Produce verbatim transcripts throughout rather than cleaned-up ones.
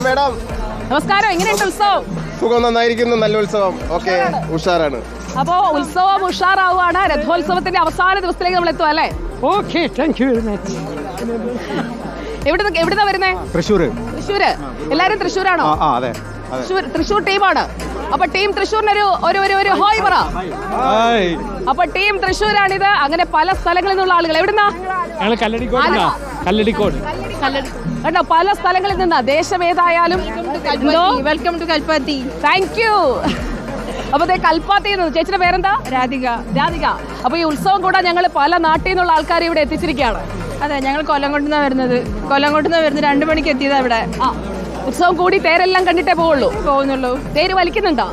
Madam നമസ്കാരം. എങ്ങനെയുണ്ട് ഉത്സവം? സുഖം, നന്നായിരിക്കുന്നു. നല്ല ഉത്സവം. ഓക്കെ, ഉഷാറാണ്. അപ്പോ ഉത്സവം ഉഷാറാവുകയാണ്. രഥോത്സവത്തിന്റെ അവസാന ദിവസത്തിലേക്ക് നമ്മൾ എത്തും അല്ലേ? Okay, thank you very much. എവിടെ എവിടുന്നാ വരുന്നേ? തൃശ്ശൂര്. തൃശ്ശൂര്. എല്ലാരും തൃശ്ശൂരാണോ? അതെ, തൃശ്ശൂർ തൃശ്ശൂർ ടീമാണ്. അപ്പൊ ടീം തൃശ്ശൂരിനൊരു ഒരു ഒരു ഒരു ഹോയ് പറ. അപ്പൊ ടീം തൃശ്ശൂരാണിത്. അങ്ങനെ പല സ്ഥലങ്ങളിൽ നിന്നുള്ള ആളുകൾ. എവിടുന്നാ? കല്ലടിക്കോട്. കേട്ടോ, പല സ്ഥലങ്ങളിൽ നിന്നാ. ദേശം ഏതായാലും welcome to Kalpathi. Thank you. അപ്പൊ കൽപ്പാത്തി. ചേച്ചിയുടെ പേരെന്താ? രാധിക. രാധിക. അപ്പൊ ഈ ഉത്സവം കൂടാൻ ഞങ്ങൾ പല നാട്ടിൽ നിന്നുള്ള ആൾക്കാർ ഇവിടെ എത്തിച്ചിരിക്കുകയാണ്. അതെ, ഞങ്ങൾ കൊല്ലംകോട്ടുനിന്നാണ് വരുന്നത്. കൊല്ലംകോട്ടുനിന്ന് വരുന്നത് രണ്ടു മണിക്ക് എത്തിയതാ ഇവിടെ. ആ, ഉത്സവം കൂടി തേരെല്ലാം കണ്ടിട്ടേ പോവുള്ളൂ പോകുന്നുള്ളൂ. തേര് വലിക്കുന്നുണ്ടോ?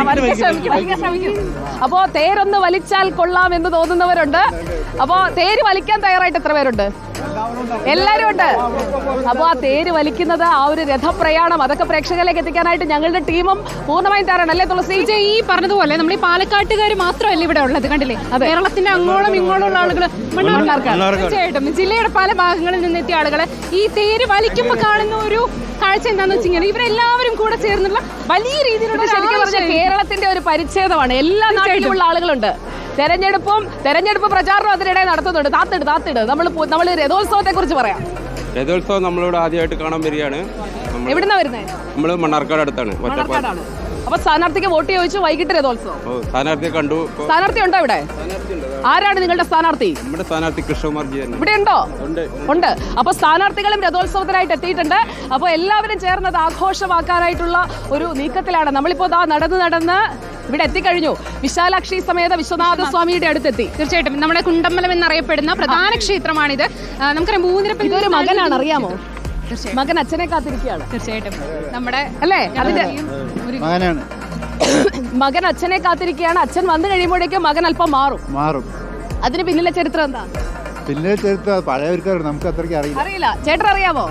അപ്പോ തേരൊന്ന് വലിച്ചാൽ കൊള്ളാം എന്ന് തോന്നുന്നവരുണ്ട്. അപ്പോ തേര് വലിക്കാൻ തയ്യാറായിട്ട് എത്ര പേരുണ്ട്? എല്ലാരും ഉണ്ട്. അപ്പൊ ആ തേര് വലിക്കുന്നത്, ആ ഒരു രഥപ്രയാണം, അതൊക്കെ പ്രേക്ഷകരിലേക്ക് എത്തിക്കാനായിട്ട് ഞങ്ങളുടെ ടീമും പൂർണ്ണമായും തയ്യാറാണ് അല്ലേ തുളസി? ഈ പറഞ്ഞതുപോലെ നമ്മൾ ഈ പാലക്കാട്ടുകാർ മാത്രമല്ല ഇവിടെ ഉള്ളത്, കണ്ടില്ലേ? കേരളത്തിന്റെ അങ്ങോളം ഇങ്ങോളം ഉള്ള ആളുകൾ, തീർച്ചയായിട്ടും ജില്ലയുടെ പല ഭാഗങ്ങളിൽ നിന്നെത്തിയ ആളുകൾ ഈ തേര് വലിക്കുമ്പോൾ കാണുന്ന ഒരു കാഴ്ച എന്താണെന്ന് വെച്ച് കഴിഞ്ഞാൽ ഇവരെല്ലാവരും കൂടെ ചേർന്നുള്ള വലിയ രീതിയിലുള്ള കേരളത്തിന്റെ ഒരു പരിച്ഛേദമാണ്. എല്ലാ നാട്ടിലുമുള്ള ആളുകളുണ്ട്. തെരഞ്ഞെടുപ്പും തെരഞ്ഞെടുപ്പ് പ്രചാരണവും അതിനിടെ നടത്തുന്നുണ്ട്. താത്തിട് താത്തിട് നമ്മൾ നമ്മൾ രഥോത്സവത്തെ കുറിച്ച് പറയാം. രഥോത്സവം നമ്മളിവിടെ ആദ്യമായിട്ട് കാണാൻ വരികയാണ്. എവിടുന്നാ വരുന്നത്? നമ്മള് മണ്ണാർക്കാട് അടുത്താണ്. അപ്പൊ സ്ഥാനാർത്ഥിക്ക് വോട്ട് ചോദിച്ചു. വൈകിട്ട് രഥോത്സവം. സ്ഥാനാർത്ഥിയെ കണ്ടു. സ്ഥാനാർത്ഥി ഉണ്ടോ ഇവിടെ? ആരാണ് നിങ്ങളുടെ സ്ഥാനാർത്ഥി? നമ്മുടെ സ്ഥാനാർത്ഥി കൃഷ്ണകുമാർ ജി ഇവിടെ ഉണ്ടോ? ഉണ്ട്. അപ്പൊ സ്ഥാനാർത്ഥികളും രഥോത്സവത്തിനായിട്ട് എത്തിയിട്ടുണ്ട്. അപ്പൊ എല്ലാവരും ചേർന്നത് ആഘോഷമാക്കാനായിട്ടുള്ള ഒരു നീക്കത്തിലാണ്. നമ്മളിപ്പോ ദാ നടന്ന് നടന്ന് ഇവിടെ എത്തിക്കഴിഞ്ഞു. വിശാലാക്ഷി സമേത വിശ്വനാഥ സ്വാമിയുടെ അടുത്തെത്തി. തീർച്ചയായിട്ടും നമ്മുടെ കുണ്ടമ്പലം എന്നറിയപ്പെടുന്ന പ്രധാന ക്ഷേത്രമാണിത്. നമുക്കറിയാം മൂന്നിരപ്പൻ ഇതൊരു മകനാണ്, അറിയാമോ? മകൻ അച്ഛനെ കാത്തിരിക്കുകയാണ്. തീർച്ചയായിട്ടും നമ്മുടെ അല്ലേ? അതിന്റെ മകനാണ്. മകൻ അച്ഛനെ കാത്തിരിക്കുകയാണ്. അച്ഛൻ വന്നു കഴിയുമ്പോഴേക്കും മകൻ അല്പം മാറും മാറും അതിന് പിന്നിലെ ചരിത്രം എന്താ? പിന്നെ ചരിത്രം പഴയവർക്കാണ്, നമുക്ക് അത്രയ്ക്ക് അറിയില്ല. അറിയില്ല. ചേട്ടൻ അറിയാമോ?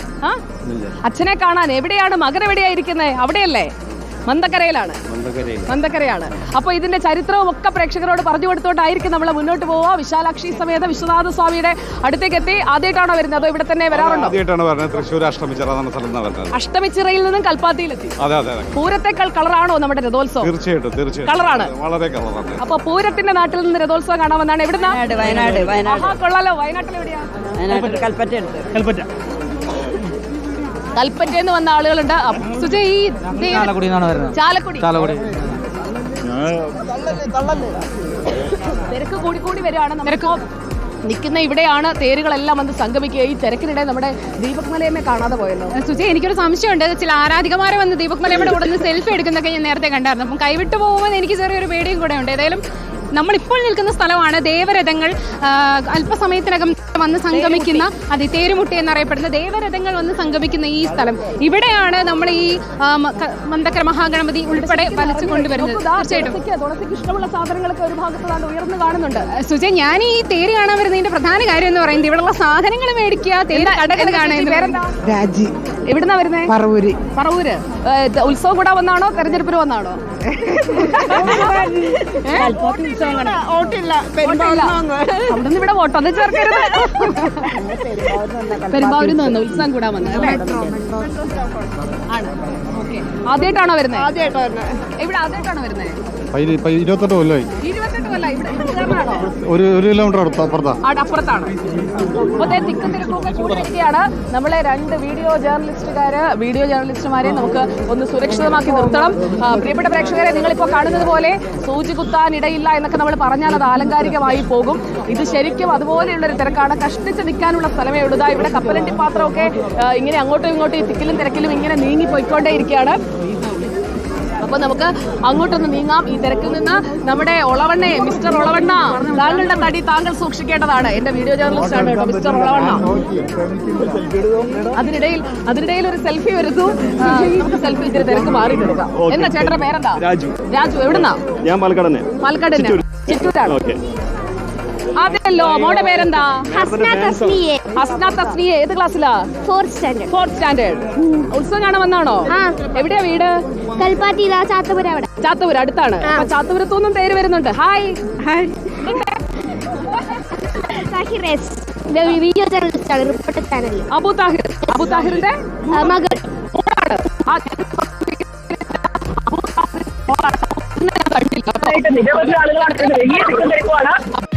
അച്ഛനെ കാണാൻ എവിടെയാണ് മകൻ? എവിടെയായിരിക്കുന്നത്? അവിടെയല്ലേ? മന്തക്കരയിലാണ്. മന്തക്കരയാണ്. അപ്പൊ ഇതിന്റെ ചരിത്രവും ഒക്കെ പ്രേക്ഷകരോട് പറഞ്ഞു കൊടുത്തോണ്ടായിരിക്കും നമ്മൾ മുന്നോട്ട് പോവുക. വിശാലാക്ഷി സമേത വിശ്വനാഥ സ്വാമിയുടെ അടുത്തേക്ക് എത്തി. ആദ്യമായിട്ടാണോ വരുന്നത്? അതോ ഇവിടെ തന്നെ വരാറുണ്ടോ? തൃശ്ശൂർ അഷ്ടമിച്ചിറ അഷ്ടമിച്ചിറയിൽ നിന്നും കൽപ്പാത്തിയിലെത്തി. പൂരത്തെക്കാൾ കളറാണോ നമ്മുടെ രഥോത്സവം? തീർച്ചയായിട്ടും തീർച്ചയായിട്ടും കളറാണ്. വളരെ കളറാണ്. അപ്പൊ പൂരത്തിന്റെ നാട്ടിൽ നിന്ന് രഥോത്സവം കാണാമെന്നാണ്. എവിടുന്നാ? വയനാട്. വയനാട് കൊള്ളാലോ. വയനാട്ടിൽ എവിടെയാ? കൽപ്പറ്റ. കൽപ്പറ്റ. കൽപ്പറ്റയെന്ന് വന്ന ആളുകളുണ്ട്. സുജയ്, ഈ ചാലക്കുടി. ചാലക്കുടി തിരക്ക് കൂടി കൂടി വരികയാണ്. നമുക്ക് നിൽക്കുന്ന ഇവിടെയാണ് തേരുകളെല്ലാം വന്ന് സംഗമിക്കുക. ഈ തിരക്കിനിടെ നമ്മുടെ ദീപക് മലയമ്മയെ കാണാതെ പോയല്ലോ. സുജയ്, എനിക്കൊരു സംശയമുണ്ട്. ചില ആരാധികമാരെ വന്ന് ദീപക് മലയമ്മയുടെ കൂടെ നിന്ന് സെൽഫി എടുക്കുന്നൊക്കെ ഞാൻ നേരത്തെ കണ്ടായിരുന്നു. അപ്പം കൈവിട്ടു പോകുമ്പോൾ എനിക്ക് ചെറിയൊരു പേടിയും കൂടെ ഉണ്ട്. ഏതായാലും നമ്മളിപ്പോൾ നിൽക്കുന്ന സ്ഥലമാണ് ദേവരഥങ്ങൾ അല്പസമയത്തിനകം വന്ന് സംഗമിക്കുന്ന, അതെ, തേരുമുട്ടി എന്നറിയപ്പെടുന്ന ദേവരഥങ്ങൾ വന്ന് സംഗമിക്കുന്ന ഈ സ്ഥലം. ഇവിടെയാണ് നമ്മൾ ഈ മന്തക്കര മഹാഗണപതി ഉൾപ്പെടെ വലിച്ചു കൊണ്ടുവരുന്നത്. തീർച്ചയായിട്ടും ഇഷ്ടമുള്ള സാധനങ്ങളൊക്കെ ഒരു ഭാഗത്താണ് ഉയർന്നു കാണുന്നുണ്ട്. സുജയ്, ഞാൻ ഈ തേര് കാണാൻ വരുന്നതിന്റെ പ്രധാന കാര്യം എന്ന് പറയുന്നത് ഇവിടെയുള്ള സാധനങ്ങൾ മേടിക്കുക, തേര് കടകൾ കാണുക. രാജി. എവിടുന്നാ വരുന്നേ? പറവൂര്. പറവൂര്. ഉത്സവം കൂടെ വന്നാണോ തെരഞ്ഞെടുപ്പിന് വന്നാണോ? അവിടുന്ന് ഇവിടെ വോട്ടോ അത് ചേർക്കരുത്. പെരുമ്പാവൂരിൽ നിന്ന് ഉത്സവം കൂടാൻ വന്നത്. ആദ്യമായിട്ടാണോ വരുന്നത്? ആദ്യമായിട്ടാണ് വരുന്നത്. ഇവിടെ ആദ്യമായിട്ടാണോ വരുന്നത്? ഇരുപത്തെട്ട് കൊല്ലമായി. ഇരുപത്തെട്ട് കൊല്ലമായി. ഇവിടെ ഒരു ഒരു കിലോമീറ്റർ അപ്പുറത്താണ്. അപ്പത്തെ തിക്കും തിരക്കൊക്കെ കൂടിയിരിക്കുകയാണ്. നമ്മളെ രണ്ട് വീഡിയോ ജേർണലിസ്റ്റുകാര് വീഡിയോ ജേർണലിസ്റ്റുമാരെ നമുക്ക് ഒന്ന് സുരക്ഷിതമാക്കി നിർത്തണം. പ്രിയപ്പെട്ട പ്രേക്ഷകരെ, നിങ്ങളിപ്പോൾ കാണുന്നത് പോലെ സൂചി കുത്താൻ ഇടയില്ല എന്നൊക്കെ നമ്മൾ പറഞ്ഞാൽ അത് ആലങ്കാരികമായി പോകും. ഇത് ശരിക്കും അതുപോലെയുള്ളൊരു തിരക്കാണ്. കഷ്ടിച്ച് നിൽക്കാനുള്ള സ്ഥലമേ ഉള്ളൂ. ഇവിടെ കപ്പലണ്ടി പാത്രമൊക്കെ ഇങ്ങനെ അങ്ങോട്ടും ഇങ്ങോട്ടും ഈ തിക്കിലും തിരക്കിലും ഇങ്ങനെ നീങ്ങി പോയിക്കൊണ്ടേ ഇരിക്കുകയാണ്. അപ്പൊ നമുക്ക് അങ്ങോട്ടൊന്ന് നീങ്ങാം. ഈ തിരക്കിൽ നിന്ന് നമ്മുടെ ഒളവണ്ണ, മിസ്റ്റർ ഒളവണ്ണ, താങ്കളുടെ തടി താങ്കൾ സൂക്ഷിക്കേണ്ടതാണ്. എന്റെ വീഡിയോ ജേർണലിസ്റ്റ് ആണ് കേട്ടോ മിസ്റ്റർ ഒളവണ്ണ. അതിനിടയിൽ അതിനിടയിൽ ഒരു സെൽഫി വരുന്നു. നമുക്ക് സെൽഫി ഇച്ചിരി തിരക്ക് മാറി എടുക്കാം. എന്താ ചേട്ടന്റെ പേരെന്താ? രാജു. രാജു. എവിടുന്നാ? ഞാൻ പാലക്കാട്. പാലക്കാട് ചിറ്റൂരാണ്. അതെല്ലോ. മോളുടെ പേരെന്താ? ഹസ്ന തസ്നിയെ. ഏത് ക്ലാസ്സിലാ? Fourth standard. Fourth standard. ഉത്സവം കാണാൻ വന്നാണോ? എവിടെയാ വീട്? കൽപ്പാത്തി. ചാത്തപുര. അവിടെ ചാത്തപുര അടുത്താണ്. അപ്പൊ ചാത്തപുരത്തുനിന്നും പേര് വരുന്നുണ്ട്. ഹായ്. ഹായ്. വീഡിയോ ജേർണലിസ്റ്റ് ആണ്. Reporter channel. അബു താഹിർ. അബു താഹിറിന്റെ മകൾ. ആ നിരവധി ആളുകളാണ് വലിയ തിക്കും തിരക്കുമാണ്.